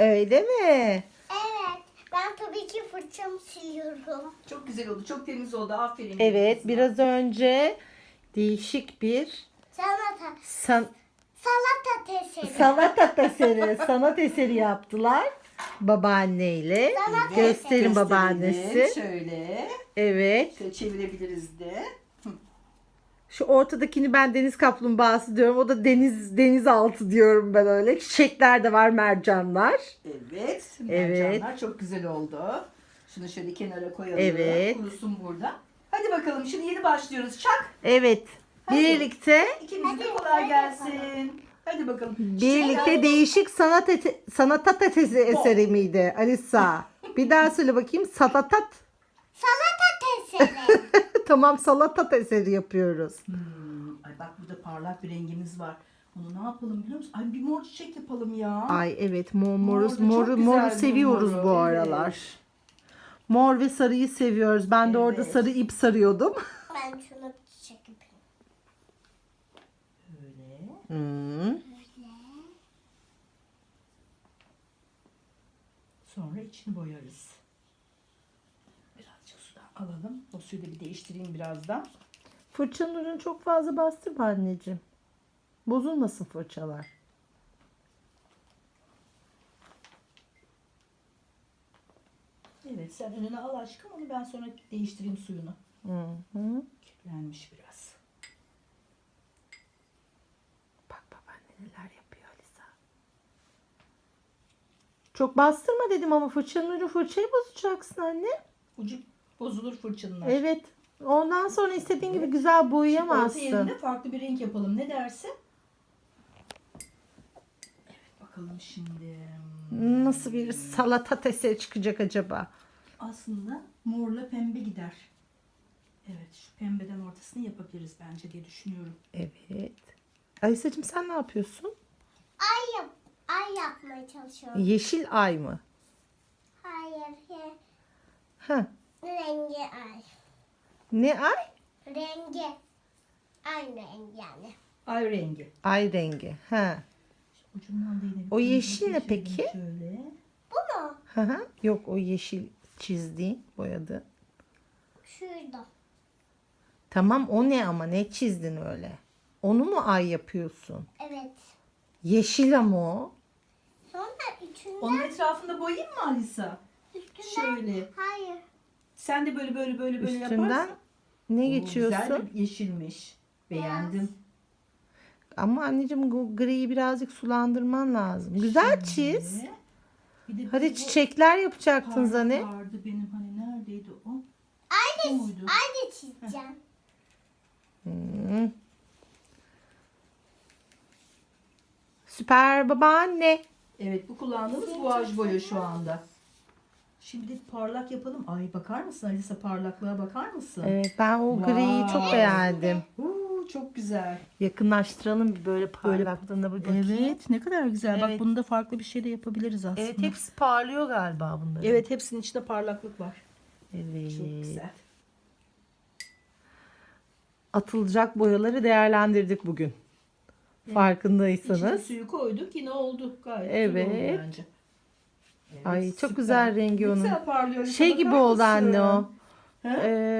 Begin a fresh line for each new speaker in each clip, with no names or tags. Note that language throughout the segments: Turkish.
Öyle mi?
Evet. Ben tabii ki fırçamı siliyorum.
Çok güzel oldu. Çok temiz oldu. Aferin.
Evet,
kızıma.
biraz önce değişik bir
Salata eseri.
sanat eseri, sanat eseri yaptılar babaanneyle.
Sanat
Gösterin
Gösterelim.
babaannesi.
Şöyle.
Evet.
Şöyle çevirebiliriz de.
Şu ortadakini ben deniz kaplumbağası diyorum. O da denizaltı diyorum ben öyle. Çiçekler de var, mercanlar.
Evet.
Evet.
Mercanlar çok güzel oldu. Şunu şöyle kenara koyalım.
Evet.
Kurusun burada. Hadi bakalım şimdi yeni başlıyoruz. Çak.
Evet.
Hadi.
Birlikte
İkimize de kolay gelsin. Hadi bakalım.
birlikte değişik sanat eseri miydi Alisa? Bir daha söyle bakayım.
Salata eseri.
Tamam, salatat eseri yapıyoruz.
Ay bak burada parlak bir rengimiz var. Onu ne yapalım biliyor musun? Ay bir mor çiçek yapalım ya.
Ay evet,
Mor da çok güzel
moru
bir
seviyoruz
moru,
bu
evet.
aralar. Mor ve sarıyı seviyoruz. Ben de orada
Evet.
sarı ip sarıyordum.
Ben şunu çiçek yapayım.
Böyle.
Hmm.
Sonra içini boyarız. Birazcık sudan alalım. O suyu da bir değiştireyim birazdan.
Fırçanın ucunu çok fazla bastırma anneciğim. Bozulmasın fırçalar.
Evet sen önüne al aşkım, onu ben sonra değiştireyim suyunu.
Hı.
Kirlenmiş biraz.
Bak babaanne neler yapıyor Alisa. Çok bastırma dedim ama fırçanın ucu, fırçayı bozacaksın anne.
Ucu bozulur fırçanın.
Evet. Ondan sonra istediğin gibi
Evet.
güzel
Orta
boyayamazsın.
yerine farklı bir renk yapalım. Ne dersin? Evet bakalım şimdi.
Nasıl bir salata eseri çıkacak acaba?
Aslında morla pembe gider. Evet şu pembeden ortasını yapabiliriz bence diye düşünüyorum.
Evet. Alisacığım sen ne yapıyorsun?
Ay yapmaya çalışıyorum.
Yeşil ay mı?
Hayır.
Ha.
Rengi ay.
Ne ay?
Rengi. Aynı renk yani.
Ay rengi.
Ay rengi. Ha.
Ucundan da yine bir
O yeşil ne
geçirelim
peki?
Şöyle.
Bu mu?
Hı hı. Yok, o yeşil çizdiğin, boyadı.
Şurada.
Tamam, o ne ama ne çizdin öyle? Onu mu ay yapıyorsun?
Evet.
Yeşil ama o.
Sonra içinden.
Onun etrafında boyayayım mı Alisa?
Üstünden.
Şöyle.
Hayır.
Sen de böyle
Üstünden
yaparsan.
ne
Oo,
geçiyorsun?
Güzel bir yeşilmiş. Beğendim.
Ama anneciğim bu griyi birazcık sulandırman lazım. Güzel çiz.
Şöyle. Bir de
Hadi
bu
çiçekler yapacaktın
parlak
Zane.
vardı benim, hani neredeydi o?
Aynı,
Bu muydu?
aynı çizeceğim.
Süper babaanne.
Evet bu kullandığımız guaj boya şu anda. Şimdi parlak yapalım. Ay bakar mısın Alisa, parlaklığa bakar mısın?
Evet, ben o griyi çok
Wow.
beğendim.
Çok güzel.
Yakınlaştıralım bir böyle parlaklığına bir bakayım.
Evet ne kadar güzel.
Evet.
Bak bunu da farklı bir şey de yapabiliriz aslında.
Evet, hepsi parlıyor galiba bunların.
Evet hepsinin içinde parlaklık var.
Evet.
Çok güzel.
Atılacak boyaları değerlendirdik bugün.
İçine
Farkındaysanız.
suyu koyduk yine oldu. Gayet
Evet.
güzel oldu bence. Evet,
Ay çok
süper.
güzel rengi
Ne
onun.
güzel parlıyor.
Şey
Bakar
gibi oldu
mısın?
anne o.
He?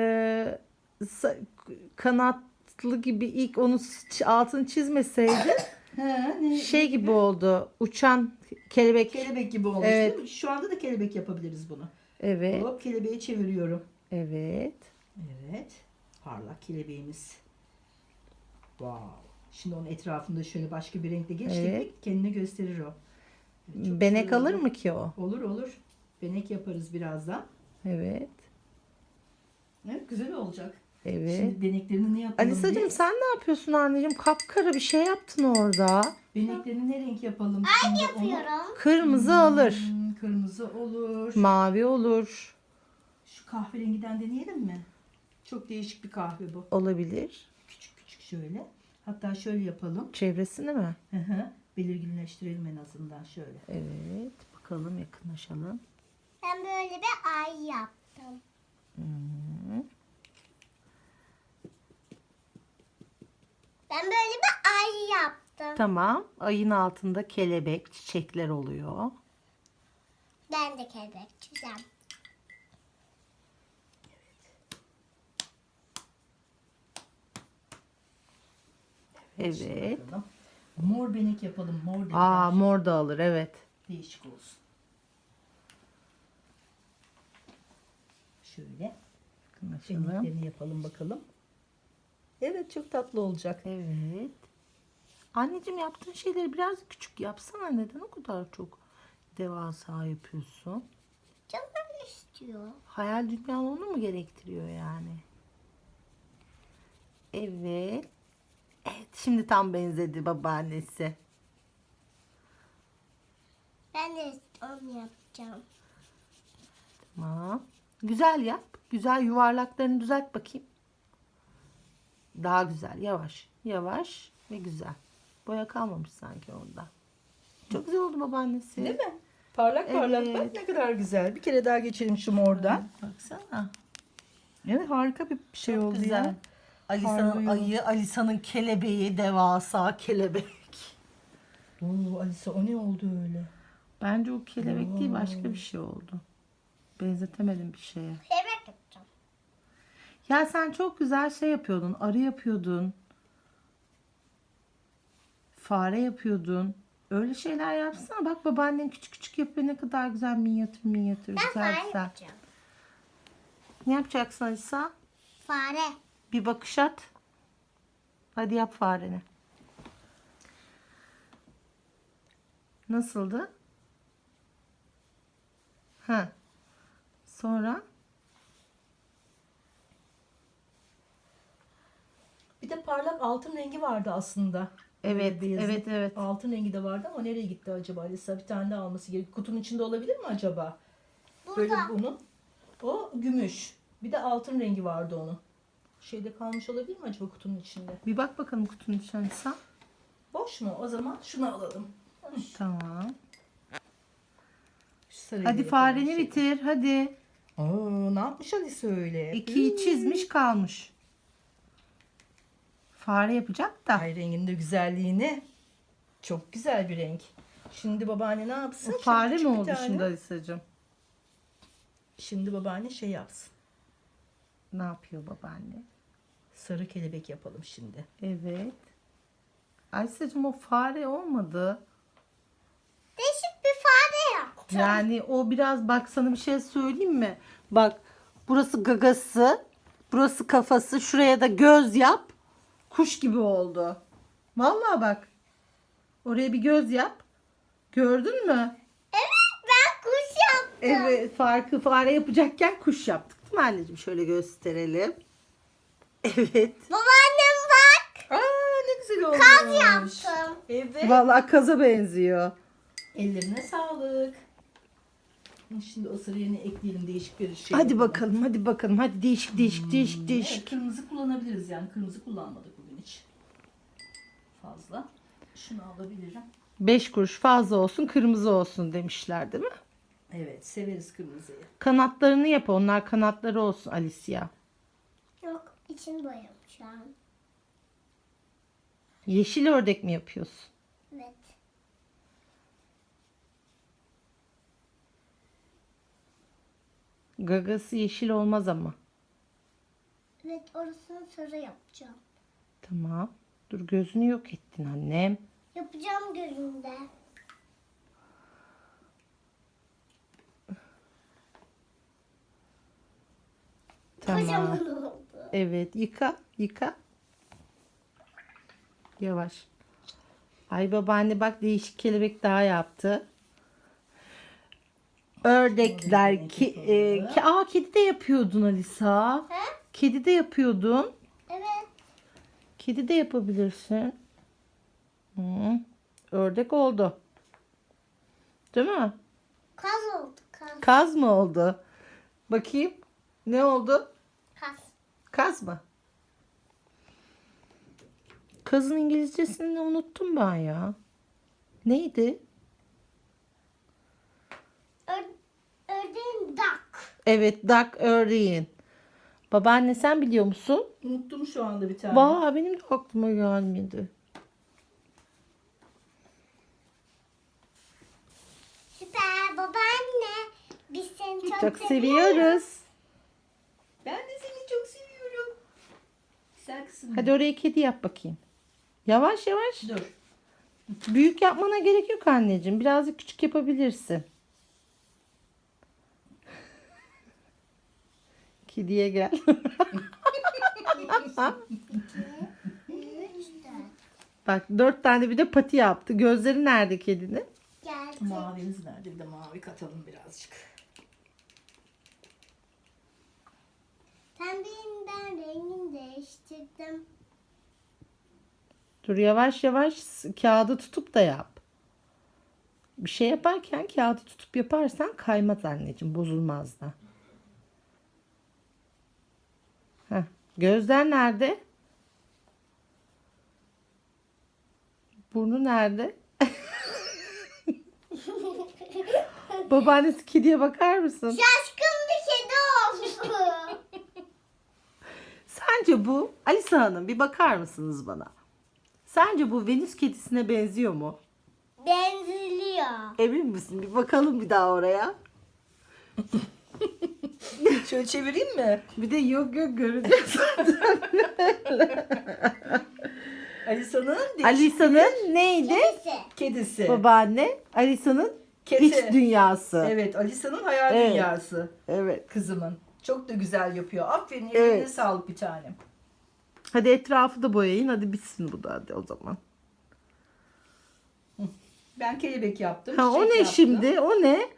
Kanatlı gibi ilk onu altını çizmeseydi
He, ne?
şey gibi oldu. Uçan kelebek.
Kelebek gibi olmuş
Evet.
değil mi? Şu anda da kelebek yapabiliriz bunu.
Evet.
Hop kelebeği çeviriyorum.
Evet.
Evet. Parlak kelebeğimiz. Wow. Şimdi onun etrafında şöyle başka bir renkle geçtik
Evet.
mi kendini gösterir o. Evet, çok
Benek
güzel
alır
oldu.
mı ki o?
Olur olur. Benek yaparız birazdan.
Evet.
Evet güzel olacak.
Evet.
Şimdi beneklerini ne yapalım
Alisacığım
biz?
sen ne yapıyorsun anneciğim? Kapkara bir şey yaptın orada.
Beneklerini ne renk yapalım şimdi?
Yapıyorum.
Kırmızı alır.
Kırmızı olur.
Mavi olur.
Şu kahverengiden deneyelim mi? Çok değişik bir kahve bu.
Olabilir.
Küçük küçük şöyle. Hatta şöyle yapalım.
Çevresini mi?
Hı hı. Belirginleştirelim en azından şöyle.
Evet. Bakalım, yakınlaşalım.
Ben böyle bir ay yaptım. Ben böyle bir ay yaptım.
Tamam. Ayın altında kelebek, çiçekler oluyor.
Ben de kelebek çizeceğim.
Evet.
Bakalım. Mor benek yapalım. Mor dediler.
Aa, mor da alır, evet.
Değişik olsun. Şöyle
Anlaşalım.
beneklerini yapalım bakalım. Evet, çok tatlı olacak.
Evet. Anneciğim, yaptığın şeyleri biraz küçük yapsana. Neden o kadar çok devasa yapıyorsun?
Canım öyle istiyor.
Hayal dünyan onu mu gerektiriyor yani? Evet. Evet, şimdi tam benzedi babaannesi.
Ben de onu yapacağım.
Tamam. Güzel yap. Güzel yuvarlaklarını düzelt bakayım. Daha güzel. Yavaş. Yavaş ve güzel. Boya kalmamış sanki orada. Çok güzel oldu babaannesi.
Değil mi? Parlak parlak
Evet.
bak ne kadar güzel. Bir kere daha geçelim şu mordan.
Baksana.
Evet, harika bir şey
Çok
oldu
güzel.
ya.
Alisa'nın
Parlıyor.
ayı, Alisa'nın kelebeği, devasa kelebek.
Oo, Alisa, o ne oldu öyle?
Bence o kelebek değil, başka bir şey oldu. Benzetemedim bir şeye.
Kelebek yapacağım.
Ya sen çok güzel şey yapıyordun. Arı yapıyordun. Fare yapıyordun. Öyle şeyler yapsana. Bak, babaannen küçük küçük yapıyor. Ne kadar güzel, minyatür minyatür.
Ben
Güzel
fare
güzel.
yapacağım.
Ne yapacaksın Alisa?
Fare.
Bir bakış at. Hadi yap fareni. Nasıldı? Ha. Sonra?
Bir de parlak altın rengi vardı aslında.
Evet,
Beyazın.
evet, evet.
Altın rengi de vardı ama nereye gitti acaba Alisa? Bir tane daha alması gerekiyor. Kutunun içinde olabilir mi acaba? Böyle
Burada.
bunun. O gümüş. Bir de altın rengi vardı onun. Şeyde kalmış olabilir mi acaba kutunun içinde?
Bir bak bakalım kutunun içine Alisa.
Boş mu? O zaman şunu alalım.
Tamam.
Şu sarıyı
Hadi
da
fareni
yapalım.
bitir. Hadi.
Aa, ne yapmış Alisa öyle?
2'yi çizmiş kalmış. Fare yapacak da.
Ay, rengin de güzelliğini. Çok güzel bir renk. Şimdi babaanne ne yapsın?
O fare
Küçük
mi
bir
oldu
tane.
şimdi Alisa'cığım?
Şimdi babaanne şey yapsın.
Ne yapıyor babaanne?
Sarı kelebek yapalım şimdi.
Evet. Alisa'cığım, o fare olmadı.
Değişik bir fare yaptım.
Yani o biraz, bak sana bir şey söyleyeyim mi? Bak, burası gagası, burası kafası, şuraya da göz yap. Kuş gibi oldu. Vallahi bak. Oraya bir göz yap. Gördün mü?
Evet, ben kuş yaptım.
Evet, farkı fare yapacakken kuş yaptık değil mi anneciğim? Şöyle gösterelim. Evet.
Babaannem bak.
Aa, ne güzel olmuş.
Kaz yaptım.
Evet.
Vallahi kaza benziyor.
Ellerine sağlık. Şimdi o sarı yerine ekleyelim değişik bir şey.
Hadi
yapalım.
bakalım, hadi bakalım. Hadi değişik değişik değişik
Evet,
değişik.
kırmızı kullanabiliriz yani. Kırmızı kullanmadık bugün hiç. Fazla. Şunu alabilirim.
5 kuruş fazla olsun, kırmızı olsun demişler değil mi?
Evet, severiz kırmızıyı.
Kanatlarını yap, onlar kanatları olsun Alicia.
Yok, içini boyamışım.
Yeşil ördek mi yapıyorsun?
Evet.
Gagası yeşil olmaz ama.
Evet, orasını sarı yapacağım.
Tamam. Dur, gözünü yok ettin annem.
Yapacağım gözünde.
Tamam.
Kocaman oldu.
Evet, yıka yıka. Yavaş. Ay babaanne bak, değişik kelebek daha yaptı. Ördekler kedi de yapıyordun Alisa.
He?
Kedi de yapıyordun.
Evet.
Kedi de yapabilirsin. Hı. Ördek oldu. Değil mi?
Kaz oldu, kaz.
Kaz mı oldu? Bakayım. Ne oldu?
Kaz.
Kaz mı? Kazın İngilizcesini unuttum ben ya. Neydi?
Ördeğin duck.
Evet, duck ördeğin. Babaanne, sen biliyor musun?
Unuttum şu anda bir tane.
Vay, benim de aklıma gelmedi.
Süper babaanne. seni çok,
Çok
seviyorum.
seviyoruz.
Ben de seni çok seviyorum. Güzel kızım.
Hadi oraya kedi yap bakayım. Yavaş yavaş.
Dur.
Büyük yapmana gerek yok anneciğim. Birazcık küçük yapabilirsin. Kediye gel.
3, 4.
Bak 4 tane bir de pati yaptı. Gözleri nerede kedinin?
Geldi.
Mavimiz nerede? Bir de mavi katalım birazcık.
Pembeyinden rengini değiştirdim.
Dur yavaş yavaş kağıdı tutup da yap. Bir şey yaparken kağıdı tutup yaparsan kaymaz anneciğim. Bozulmaz da. Heh, gözler nerede? Burnu nerede? Babaannesi kediye bakar mısın?
Şaşkın bir kedi oldu.
Sence bu Alisa Hanım bir bakar mısınız bana? Sence bu Venüs kedisine benziyor mu?
Benziliyor.
Emin misin? Bir bakalım bir daha oraya.
Şöyle çevireyim mi?
Bir de yok göreceğiz.
Alisa'nın
Alisa'nın neydi?
Kedisi.
kedisi.
Babaanne. Alisa'nın
Kedi.
iç dünyası.
Evet, Alisa'nın hayal
Evet.
dünyası.
Evet.
Kızımın. Çok da güzel yapıyor. Aferin,
Evet.
eline sağlık bir tanem.
Hadi etrafı da boyayın. Hadi bitsin bu da hadi o zaman.
Ben kelebek yaptım.
Ha, o
çiçek
ne
yaptım.
şimdi? O ne?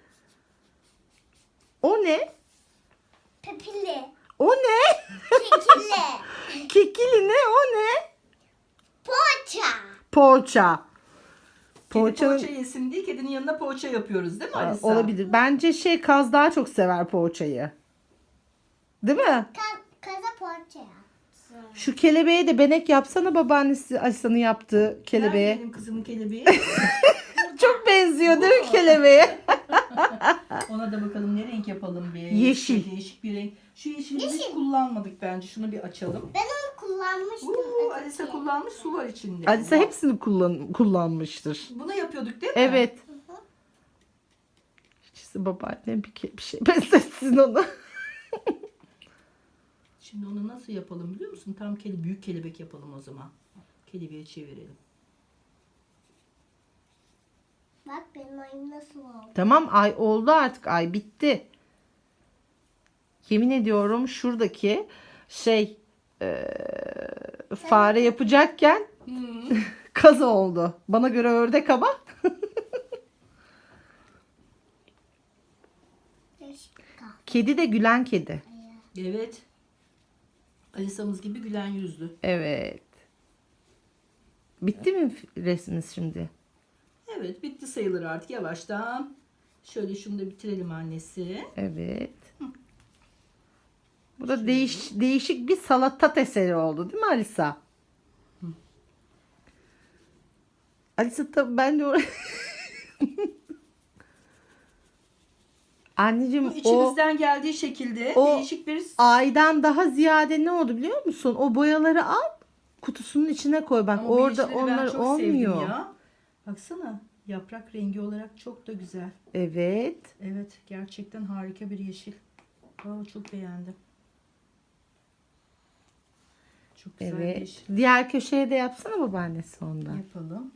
O ne?
Pepili.
O ne?
Kekili.
Kekili ne? O ne?
Poğaça.
Poğaça.
Kedi
Poğaçanın...
poğaça yesin diye kedinin yanına poğaça yapıyoruz değil mi
Aa,
Alisa?
olabilir. Bence Kaz daha çok sever poğaçayı. Değil mi?
Kaza poğaça yaptım.
Şu kelebeğe de benek yapsana babaannesi Alisa'nın yaptığı
Nerede
kelebeğe.
benim kızımın kelebeği?
Çok benziyor değil mi kelebeğe?
Ona da bakalım ne renk yapalım bir.
Yeşil.
Değişik bir renk. Şu yeşili hiç
Yeşil.
kullanmadık bence. Şunu bir açalım.
Ben onu kullanmıştım.
Alisa kullanmış, su var içinde.
Alisa hepsini kullanmıştır.
Bunu yapıyorduk değil mi?
Evet. İşte babaannem bir şey besletsin onu.
Şimdi onu nasıl yapalım biliyor musun? Tam büyük kelebek yapalım o zaman. Kelebeğe çevirelim.
Bak benim ayım nasıl oldu.
Tamam ay oldu artık ay bitti. Yemin ediyorum şuradaki fare yapacakken kaz oldu. Bana göre ördek ama. Kedi de gülen kedi.
Evet. Alisa'mız gibi gülen yüzlü.
Evet. Bitti mi resmimiz şimdi?
Evet, bitti sayılır artık yavaştan. Şöyle şunu da bitirelim annesi.
Evet. Bu da değişik bir salatat eseri oldu değil mi Alisa? Alisa tabii ben de Anneciğim o
İçimizden geldiği şekilde
o-
değişik bir...
aydan daha ziyade ne oldu biliyor musun? O boyaları al kutusunun içine koy. Bak
Ama bu
orada
yeşilleri ben
onlar
çok
olmuyor.
sevdim ya. Baksana, yaprak rengi olarak çok da güzel.
Evet.
Evet, gerçekten harika bir yeşil. Çok beğendim. Çok güzel bir
Evet.
yeşil.
Diğer köşeye de yapsana babaannesi ondan.
Yapalım.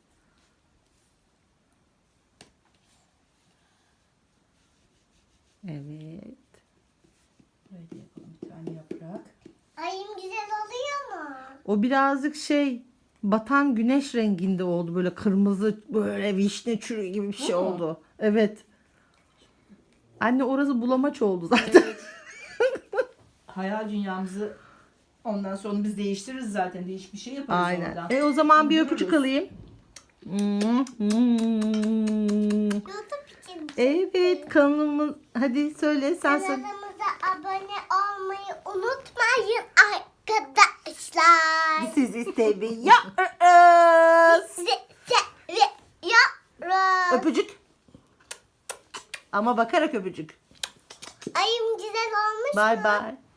Evet.
Böyle yapalım bir tane yaprak.
Ayım güzel oluyor mu?
O birazcık batan güneş renginde oldu. Böyle kırmızı böyle vişne çürüğü gibi bir şey
Hı.
oldu. Evet. Anne orası bulamaç oldu zaten.
Evet. Hayal dünyamızı ondan sonra biz değiştiririz zaten. Değişik bir şey yaparız
Aynen.
oradan.
O zaman bir
Buluruz.
öpücük alayım.
YouTube için.
Evet kanalımız hadi söyle sen söyle.
Kanalımıza abone olmayı unutmayın arkadaşlar.
Sizi seviyoruz.
Sizi seviyoruz.
Öpücük. Ama bakarak öpücük.
Ayım güzel olmuş
Bye
mu?
bye.